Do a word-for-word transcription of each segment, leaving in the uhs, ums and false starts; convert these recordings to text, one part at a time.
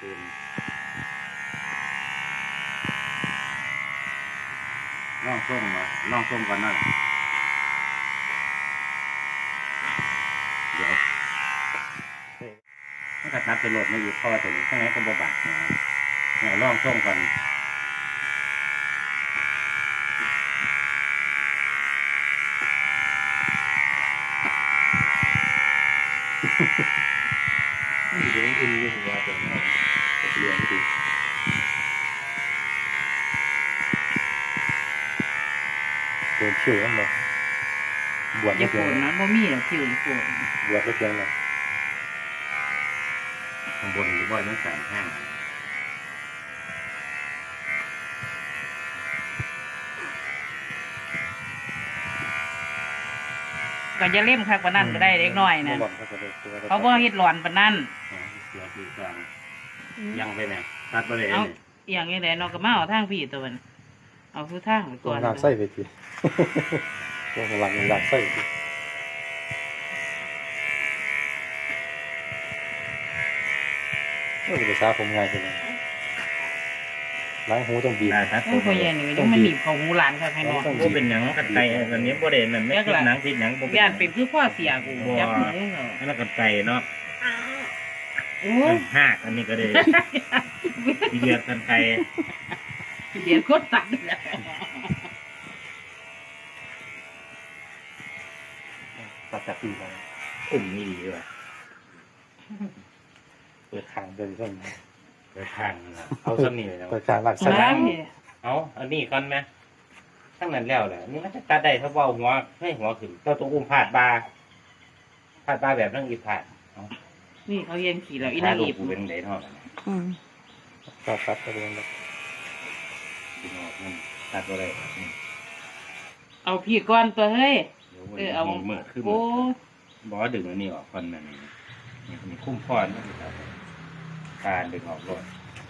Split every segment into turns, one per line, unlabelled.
ตื่นล่องส้มมาล่องส้มกันนั่นเดี๋ยวถ้าตัดนับจะโหลดไม่อยู่ข้อตัวนี้ข้างในก็บบัดนะเนี่ยล่องส้มกันเดี๋ยวอินอยู่หัวตัวนี้เรียนดีโดนคิวกันเลยบวช
อ
ไม่
ย่า
เพี
โก
ย
รง ธนะบ่มีหรอกคิวอย่าโกรธ
บวชไม่เพียงเลยข้างบนหรือว่านั่งสามห้าง
ก็จะเล่มคักปานนั้นก็ได้เล็กน้อยนะเขาบ่เฮ็ดหลอนปานนั้น
เสียคือกลางยังไปเนี่ยตัดไปเลย
เอา
เนี่ย
อหย่างนี้แหละเนาะก็มาเอาทางพี่ตัวมันเอาคือทางไป
ตั
ก่
ว
อน
หลักไส้ไปทีตัวหลักหลักไส้ทีไม่เป็นภาษาผมง่ายเลยล้างหูต้องบีบ
ได้ครับ
โอ้ยพ่อใหญ่นี่ก็ยังมันหนีบเข้าหูหลานคักให้เนาะ
บ่เป็นหยังกันไก่อันนี้บ่ได้นั่นไม่คิดหนังคิดหยังบ่เป็น
ย่านเป็นคือพ่อเสียกูจับหูเนาะ
อันนั้นกันไก่เนาะ
โอ้ย
หากอันนี้ก็ได้เดือดกันไก่
เดี๋ยวโคตรตัดเลย
ตัดจากปีไป
อุ่มนี่ดีด้วย
เปิดทางเดินเส้น
เปิดทางเอาสำนีเลยนะ
เปิดทางหลักไส้
มา
เอาอันนี้ก่อนไหมทั้งนั้นแล้วแหละนี่มันจะตัดได้ถ้าว่าหัวให้หัวขึ้นเจ้าตัวอุ้มผาดบาผาดบาแบบนั่งอีผาด
นี่เขาเย็นขี่แล้วอีนางอีบ
กูเป็นไดทอด
อืม
ตัดตัดไปเลยนะ
กินออกมันตัดอะไร
เอาพี่ก่อนตัวเฮ้ยเออเอา
เมื่อคือ
โอ้
บอดึงอันนี้ออกคนนั้นมีคุ้มพอนการดึงออกรถ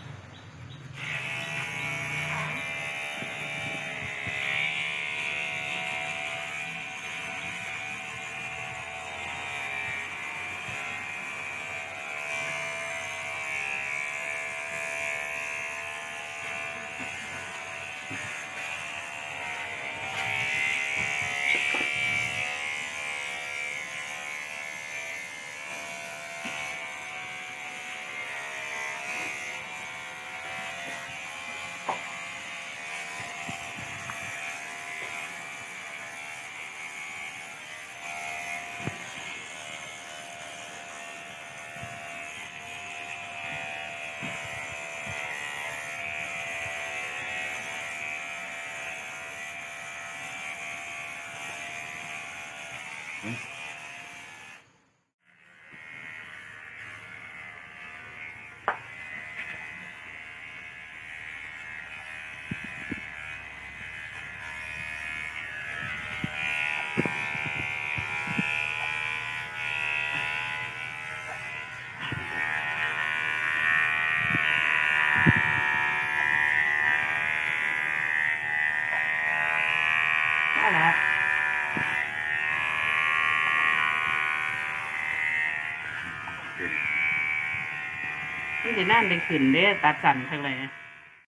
นั่นแหละนี่จะนั่นได้ขึ้นเด้ตัดสั่นทั้งเลย